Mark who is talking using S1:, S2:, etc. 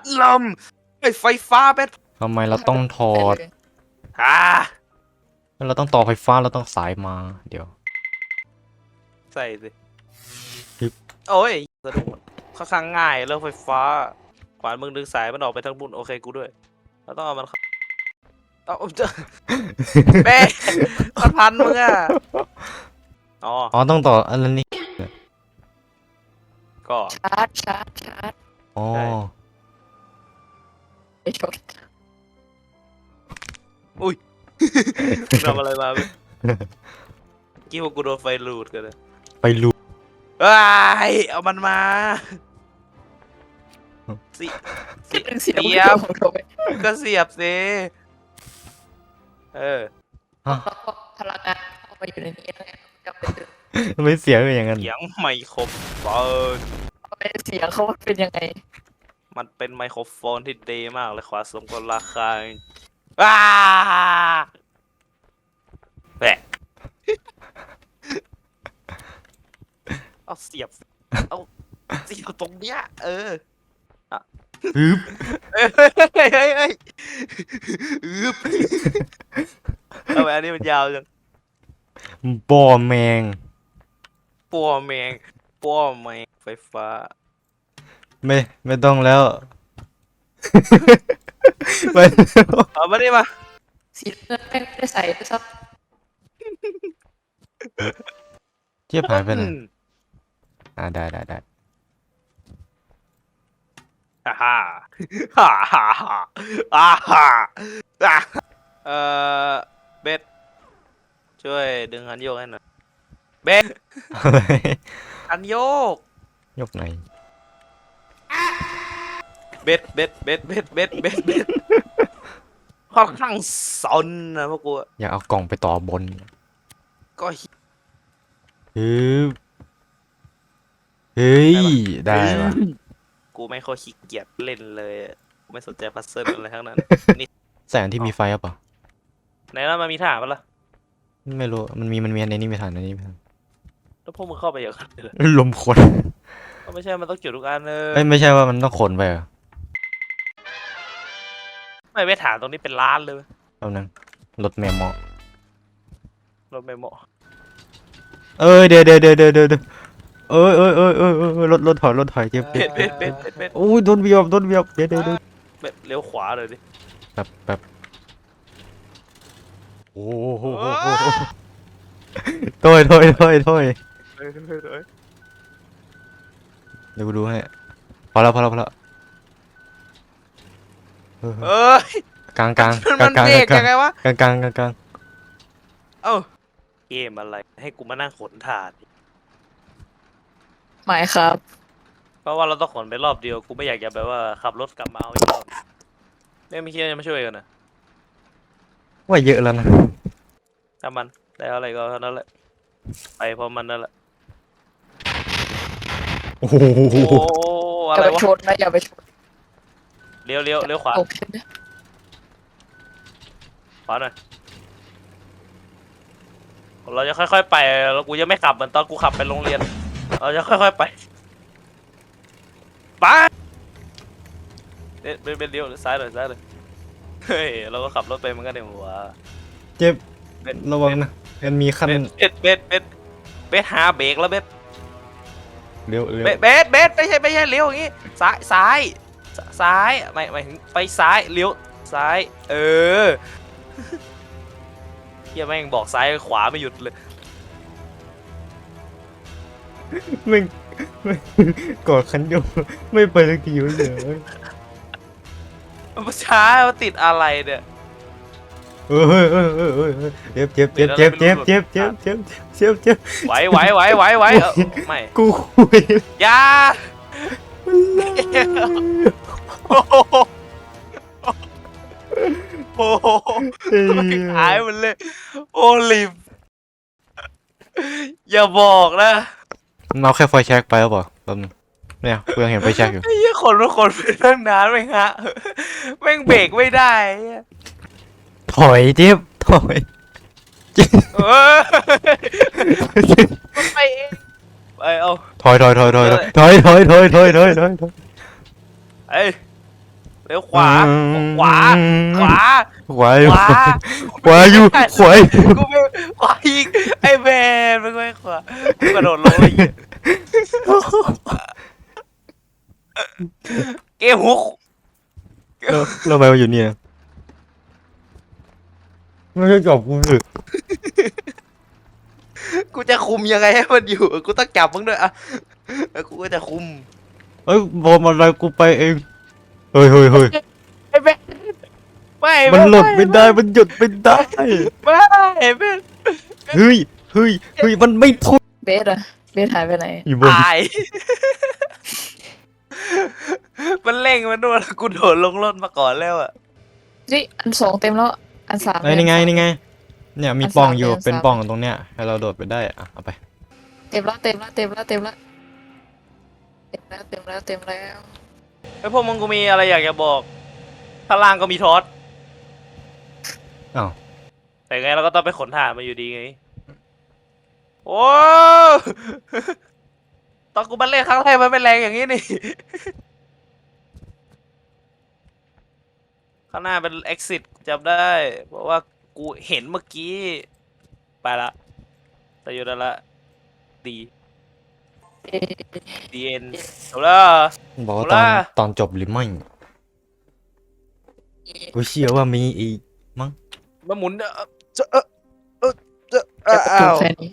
S1: ลมไอ้ไฟฟ้าเบส
S2: ทำไมเราต้องถอด
S1: อ่า
S2: เราต้องต่อไฟฟ้าเราต้องสายมาเดี๋ยว
S1: ใส่สิ
S2: ฮึบ
S1: โอ้ยสะดุดค่อนข้างง่ายเรื่องไฟฟ้าขวานมึงดึงสายมันออกไปทั้งบุญโอเคกูด้วยเราต้องเอามันเอาเจอเบ้มันพันมึงอ่ะอ๋อ
S2: อ๋อต้องต่ออันนี้
S1: ก็
S3: ชาร์จ
S2: อ๋อ
S1: ใช่
S3: ไอ้ชด
S1: ทำอะไรมาเว้ยกี้พวกกูโดนไฟลูดกันเลย
S2: ไปรู
S1: ว้ายเอามันมาสิ
S3: เป็นเสียง
S1: เสียบ
S3: ของเขาไป
S1: ก็เสียบสิเออ
S3: พลังงานเอาไปอยู่ในนี้แล้วไงกลับไปดึง
S2: ไม่เสียงอย่างนั้น
S1: เสียงไมโครโฟน
S3: เอาไปเสียงเขาเป็นยังไง
S1: มันเป็นไมโครโฟนที่ดีมากเลยขวาสมกับราคาว้าแหะเอาเสียบเอาเสียบตรงเนี้ยเออ
S2: ฮึบ
S1: เฮ้ยอึบทำไมอันนี้มันยาวจัง
S2: บ่อแมง
S1: ปัวแมงปัวแมงไฟฟ้า
S2: ไม่ต้องแล้วไป
S1: เอามาดิมา
S3: สีเงินแม่งไม่ได้ใส่ด้วยซ้
S2: เทียบหายไปไหนได้
S1: ฮ่าฮ่าฮ่าฮ่าฮ่าฮ่าฮ่าเอ่อเบสช่วยดึงคันโยกให้หน่อยเบส
S2: อะไร
S1: คันโยก
S2: ยกไหน
S1: เบสค่อนข้างซนนะพวกกู
S2: อยากเอากล่องไปต่อบน
S1: ก็
S2: ฮึบเฮ้ยได้ปะ
S1: กูไม่ค่อยขี้เกียจเล่นเลยกูไม่สนใจพัซเซิลอะไรทั้งนั้น
S2: แสงที่มีไฟอ่ะปะ
S1: ไหนแล้วมันมีฐานปะล่ะ
S2: ไม่รู้มันมีในนี้ไม่ทันในนี้ไม่ทัน
S1: แล้วพวกมึงเข้าไปอย่างนั้นเลยเหรอ
S2: ลมคน
S1: ก็ไม่ใช่มันต้องจุดทุกอันเลย
S2: ไม่ใช่ว่ามันต้องขนไปเหรอ
S1: ไม่ไปฐานตรงนี้เป็นล้านเลย
S2: แป๊บนึงรถแมมมอ
S1: รถไม่เหมาะ
S2: เดี๋ยวรถถอยเจ็บ
S1: เบ็ด
S2: โอ้ยโดนเบียบเดี๋ยว
S1: เบ็ดเลี้ยวขวาเลยดิ
S2: แป๊บโอ้โหถอยเดี๋ยวกูดูให้พอแล้ว
S1: เอ้ย
S2: กลาง
S1: มันเบรกยังไงวะ
S2: กลาง
S1: เอ้าเกมอะไรให้กูมานั่งขนถาด
S3: ำหมายครับ
S1: เพราะว่าเราต้องขนไปรอบเดียวกูไม่อยากจะแบบว่าขับรถกลับมาเอาอีกรอบไม่คิดว่าจะมาช่วยกันนะ
S2: ว่าเยอะแล้วนะ
S1: ถ้ามันได้อะไรก็เท่านั้นแหละไปเพราะมันนั่นแหละ
S2: โอ้โห
S1: โอ้อะ
S3: อย่า
S1: ไร
S3: ไป
S1: วะ
S3: ชนนะอย่าไปชน
S1: เลี้ยวขวา
S3: โอเคนะ
S1: ขวาหน่อยเราจะค่อยๆไปแล้วกูจะไม่ขับเหมือนตอนกูขับไปโรงเรียนเราจะค่อยๆไปเป็นเลี้ยวหรือซ้ายหน่อยเฮ้ยเราก็ขับรถไปมันก็เดี๋ยวหัว
S2: เจ็บ
S1: เบ็ด
S2: ระวังนะมันมีขั้น
S1: เบ็ดหาเบรกแล้วเบ็ด
S2: เร็ว
S1: เบ็ดไม่ใช่เลี้ยวอย่างงี้ซ้ายไม่ถึงไปซ้ายเลี้ยวซ้ายเออเฮียแม่งบอกซ้ายขวาไม่หยุดเลย
S2: ไม่กอดคันโยกไม่ไปสักทีวะเนี่ย
S1: มันช้ามันติดอะไรเนี่ย
S2: เจ็บ
S1: ไหวไม่
S2: กูคุย
S1: อยาโอ้โหหายหมดเลยโอลิมอย่าบอกนะ
S2: เอาแค่ไฟแช็กไปแล้วเปล่าแป๊บนึงเนี่ยกูยังเห็นไฟแช็กอยู่
S1: ไอ้เหี้ยคนไปตั้งนานไม่ฮะแม่งเบรกไม่ได้ไอ้เหี้ย
S2: ถอยเจ็บถอย
S1: เออมันไปเองไปเอา
S2: ถอย
S1: เอ้ยเลี้ยวขวาขวาขวา
S2: ขวา
S1: ขวา
S2: ขวาอยู่ขวา
S1: กูไม่ขวาอีกไอ้แมนมันไม่ขวากูกระโดดลงเลยเกมฮุก
S2: แล้วทำไมมาอยู่เนี่ยไม่ใช่จับกูเลย
S1: กูจะคุมยังไงให้มันอยู่กูต้องจับมึงด้วยอ่ะแล้วกูก็จะคุม
S2: เอ้ยบอลอะไรกูไปเองเฮ้ย
S1: ไอ้แมนไม่
S2: มันหลดไม่ได้มันหยุดไม่ได้
S1: ไม่ไอ้แมน
S2: เฮ้ยมันไม่ทน
S3: เบสอะเบสหายไปไหน
S2: อยู่บน
S1: ตายมันเร่งมันด้วยแล้วกูโดดลงรถมาก่อนแล้วอ่ะ
S3: นี่อันสองเต็มแล้วอันสาม
S2: ไอ้ยนี่ไงเนี่ยมี
S3: อัน
S2: ปล่อง
S3: สาม
S2: อยู่
S3: อันสาม
S2: เป็นปล่องตรงเนี้ยให้เราโดดไปได้อ่ะเอาไป
S3: เต็มแล้วเต็มแล้วเต็มแล้วเต็มแล้วเต็มแล้วเต็มแล้วเต็มแล้ว
S1: ไอ้พวกมึงกูมีอะไรอยากจะบอกข้างล่างก็มีทอส
S2: อ้าว
S1: แต่ไงเราก็ต้องไปขนถ่านมาอยู่ดีไงโอ้ตอนกูมาเล่นครั้งแรกมันไม่แรงอย่างนี้นี่ ข้างหน้าเป็น exit จำได้ เพราะว่ากูเห็นเมื่อกี้ ไปละแต่อยู่นั่นละดี
S3: เอ๊ะ
S1: ดีเอ็นจบแล้ว
S2: บอกว่า
S1: เอาล่ะ
S2: ตอนจบหรือไม่กูเชื่อว่ามีอีกมั้ง
S1: มาหมุนจะ
S3: จะจ
S1: อ้า
S3: บ
S1: ว
S3: แค่นี้